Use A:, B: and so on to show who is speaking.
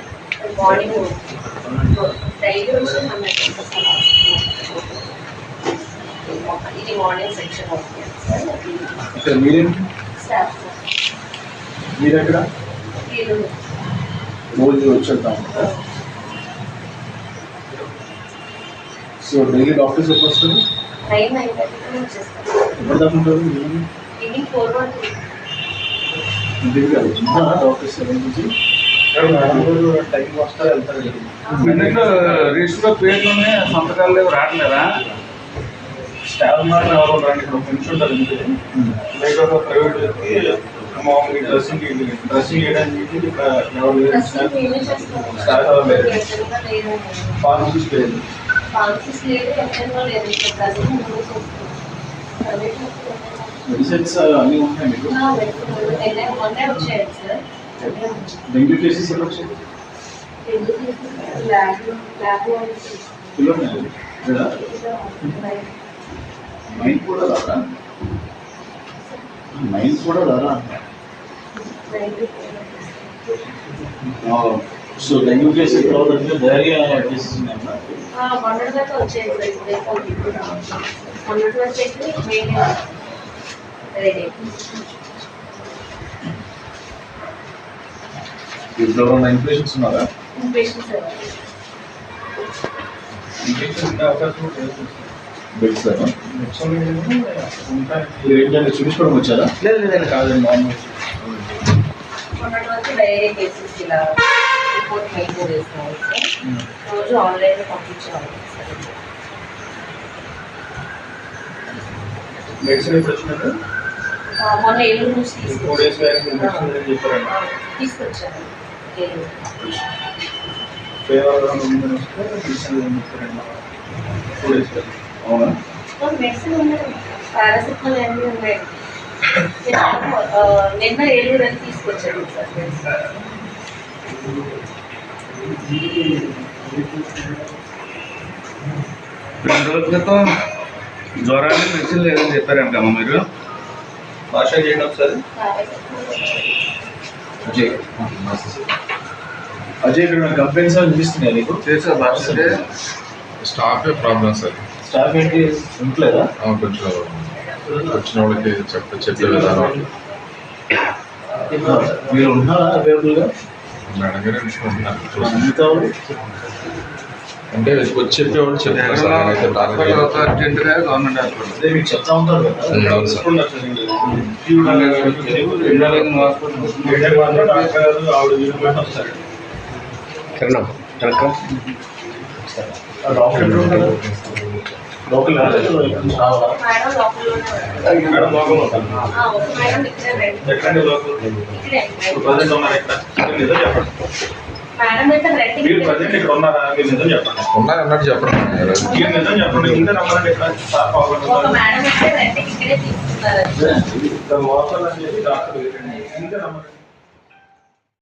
A: Morning daily వచ్చి 100 ఇది morning section అవుతుంది సార్.
B: మీరేంటి
A: స్టాఫ్
B: మీరు ఎక్కడ
A: మీరు
B: రోజు వచ్చేద్దాం. సో డైలీ డాక్టర్స్ ఎప్పుడు వస్తారు?
A: 9:30 వచ్చేస్తారు.
B: ఎప్పుడు దాకా ఉంటారు?
A: ఈవినింగ్ 4 వరకు
B: ఇంటికి కాదు డాక్టర్స్ 7 నుంచి టైంకి వస్తారు వెళ్తారు కదా.
C: రిజిస్టర్ పేర్లు సంతకాలు లేవు రావట్లేదా?
D: స్టాఫ్ మాత్రం ఎవరు రండి, ఇక్కడ ఫ్రెండ్స్ ఉంటారు ఇంటికి బయట ప్రైవేట్ మామూలుగా డ్రెస్సింగ్ చేయడానికి ఇక్కడ ఎవరు లేదు. స్టాఫ్ ఎవరు లేదు. ఫార్మసిస్ట్ లేదు. మెడిసిన్స్ అన్నీ ఉంటాయి మీకు. డెంగ్యూ కేసెస్ ఎలా వచ్చాయి? మైండ్ కూడా రాదా? మైండ్ కూడా రాదా? సో డెంగ్యూ కేసెస్ తర్వాత డైరియా కేసెస్ ఉన్నాయన్నా? ఇప్పుడు ఎవరైనా ఇన్ఫెక్షన్స్ ఉన్నారా? బెడ్స్ ఏంటంటే చూపించుకోవడం వచ్చారా?
C: లేదండి
D: కాదండి, నార్మల్.
A: డైరీ కేసెస్ ఇలా రిపోర్ట్ మెయింటైన్ చేస్తున్నాం సార్. రోజు ఆన్లైన్లో పంపించేవాళ్ళం సార్.
D: మెడిసిన్ ఎప్పుడు వచ్చినారు?
A: మొన్న ఏలూరు నుంచి
D: 4 days బ్యాక్ చెప్పారండి.
A: తీసుకొచ్చాను ఏలూరు.
D: ఫీవర్ ఉందని వస్తే మెడిసిన్ చెప్పారండి 2 days బ్యాక్. అవునా?
A: మెడిసిన్ ఉన్నాయి, పారాసిటమాల్ అన్నీ ఉన్నాయి. నిన్న ఏలూరు అని తీసుకొచ్చాను సార్.
C: 2 రోజుల క్రితం జ్వరాన్ని మెడిసిన్ లేదని చెప్పారంటమ్మా మీరు.
D: భాష చేయండి ఒకసారి.
B: అజయ్ అజయ్ ఇక్కడ కంప్లైంట్స్ అనిపిస్తున్నాయి నీకు?
C: చేసే భాష
E: స్టాఫ్ ప్రాబ్లం సార్.
B: స్టాఫ్ ఏంటి ఉంటలేదా?
E: కొంచెం వచ్చిన వాళ్ళకి చెప్పే విధానం
B: మీరు ఉన్నారా అవైలబుల్గా?
E: మేడం గారు ఎంచుకుంటున్నారు.
B: మిగతా వాళ్ళు
E: అంటే వచ్చి చెప్పేవాళ్ళు చెప్తారు సార్. నేనైతే
C: అర్జెంటుగా గవర్నమెంట్ హాస్పిటల్
B: అదే మీకు చెప్తా ఉంటారు కదా.
E: అవును సార్.
D: ఆవిడ వీళ్ళు వస్తారు.
B: డాక్టర్ లోకల్
A: మేడం లోపల
D: మేడం లోకల్ ఉంటారు.
A: ఒక మేడం ఇక్కడే
D: ఎక్కడండి లోకల్?
A: ఇక్కడే
D: ప్రజెంట్ ఉన్నారు ఇక్కడ? నిజం చెప్పండి.
A: మేడం అయితే
D: మీరు ప్రజెంట్ ఇక్కడ ఉన్నారా? మీరు నిజం చెప్పండి.
E: ఉన్నారన్నట్టు చెప్పండి.
D: మీరు నిజం చెప్పండి. ఇంకా రమ్మంటే ఇక్కడ స్టాఫ్
A: ఒక మేడం అయితే రెంట్కి ఇక్కడే తీసుకున్నారు.
D: లోకల్ అని చెప్పి డాక్టర్ ఇంకా రమ్మంటే